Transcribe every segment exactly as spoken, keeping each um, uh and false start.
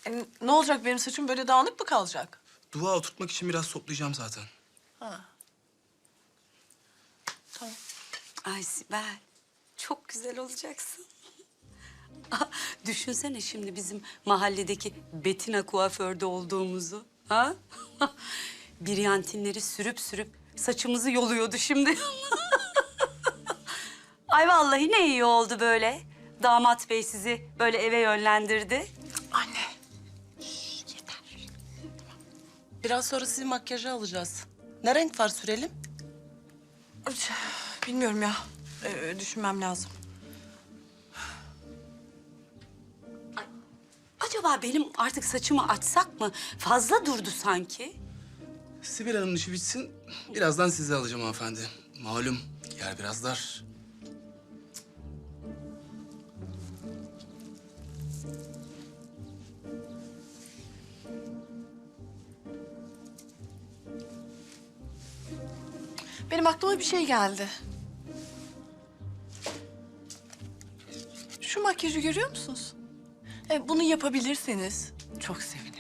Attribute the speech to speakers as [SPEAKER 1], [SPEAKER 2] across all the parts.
[SPEAKER 1] E, ne olacak, benim saçım böyle dağınık mı kalacak?
[SPEAKER 2] Dua oturtmak için biraz toplayacağım zaten.
[SPEAKER 1] Ha. Tamam.
[SPEAKER 3] Ay Sibel, çok güzel olacaksın. Ah, düşünsene şimdi bizim mahalledeki Betina kuaförde olduğumuzu. Ha? Biryantinleri sürüp sürüp saçımızı yoluyordu şimdi. Ay vallahi ne iyi oldu böyle. Damat bey sizi böyle eve yönlendirdi.
[SPEAKER 1] Anne. Şş, yeter.
[SPEAKER 4] Biraz sonra sizi makyaja alacağız. Ne renk far sürelim?
[SPEAKER 1] Üç, Bilmiyorum ya. Ee, düşünmem lazım.
[SPEAKER 3] Acaba benim artık saçımı açsak mı? Fazla durdu sanki.
[SPEAKER 2] Sibel Hanım'ın işi bitsin, birazdan sizi alacağım hanımefendi. Malum, yer biraz dar.
[SPEAKER 1] Benim aklıma bir şey geldi. Şu makyajı görüyor musunuz? E, bunu yapabilirseniz çok sevinirim.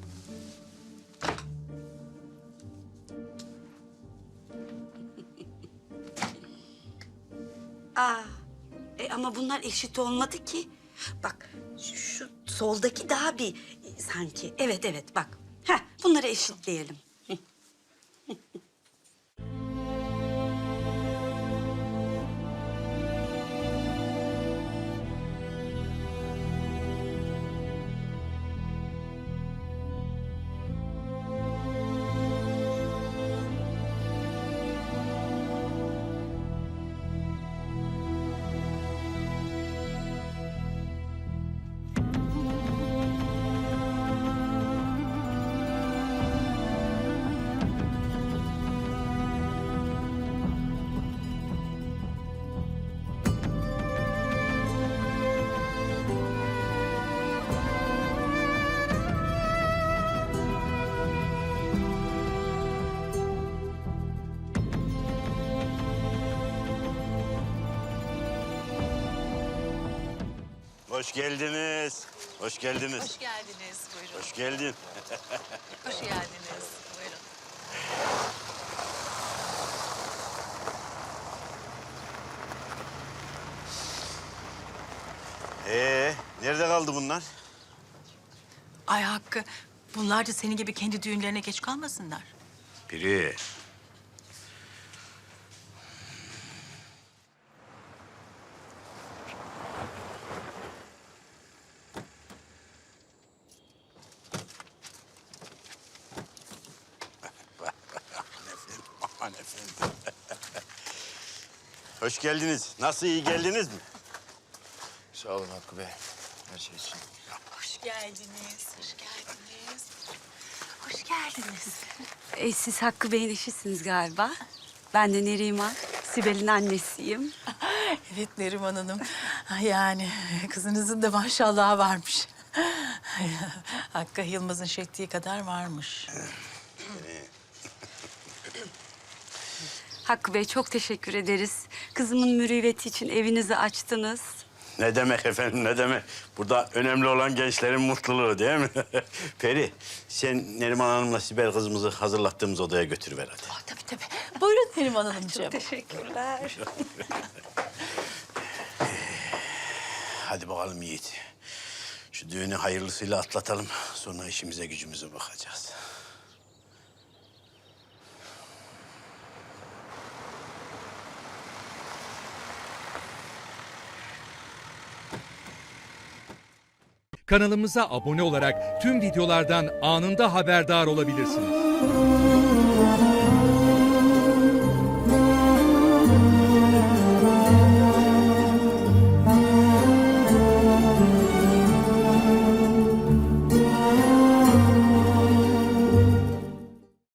[SPEAKER 3] Aa, e ama bunlar eşit olmadı ki. Bak şu, şu soldaki daha bir e, sanki. Evet evet bak. Heh, bunları eşitleyelim.
[SPEAKER 5] Hoş geldiniz. Hoş geldiniz.
[SPEAKER 6] Hoş geldiniz, buyurun.
[SPEAKER 5] Hoş geldin.
[SPEAKER 6] Hoş geldiniz, buyurun.
[SPEAKER 5] Ee, nerede kaldı bunlar?
[SPEAKER 6] Ay Hakkı, bunlar da senin gibi kendi düğünlerine geç kalmasınlar.
[SPEAKER 5] Biri. Aman efendim. Hoş geldiniz. Nasıl, iyi geldiniz mi?
[SPEAKER 7] Sağ olun Hakkı Bey, her şey için.
[SPEAKER 6] Hoş geldiniz, hoş geldiniz. Hoş geldiniz.
[SPEAKER 3] E, siz Hakkı Bey'in eşisiniz galiba. Ben de Neriman, Sibel'in annesiyim.
[SPEAKER 6] Evet Neriman Hanım, yani kızınızın da maşallahı varmış. Hakkı Yılmaz'ın şektiği kadar varmış.
[SPEAKER 3] Hakkı Bey çok teşekkür ederiz. Kızımın mürüvveti için evinizi açtınız.
[SPEAKER 5] Ne demek efendim, ne demek? Burada önemli olan gençlerin mutluluğu değil mi? Peri, sen Neriman Hanım'la Sibel kızımızı hazırlattığımız odaya götürüver hadi.
[SPEAKER 6] Oh, tabii tabii. Buyurun Neriman Hanımcığım.
[SPEAKER 3] Teşekkürler.
[SPEAKER 5] Hadi bakalım Yiğit. Şu düğünü hayırlısıyla atlatalım. Sonra işimize gücümüze bakacağız.
[SPEAKER 8] Kanalımıza abone olarak tüm videolardan anında haberdar olabilirsiniz.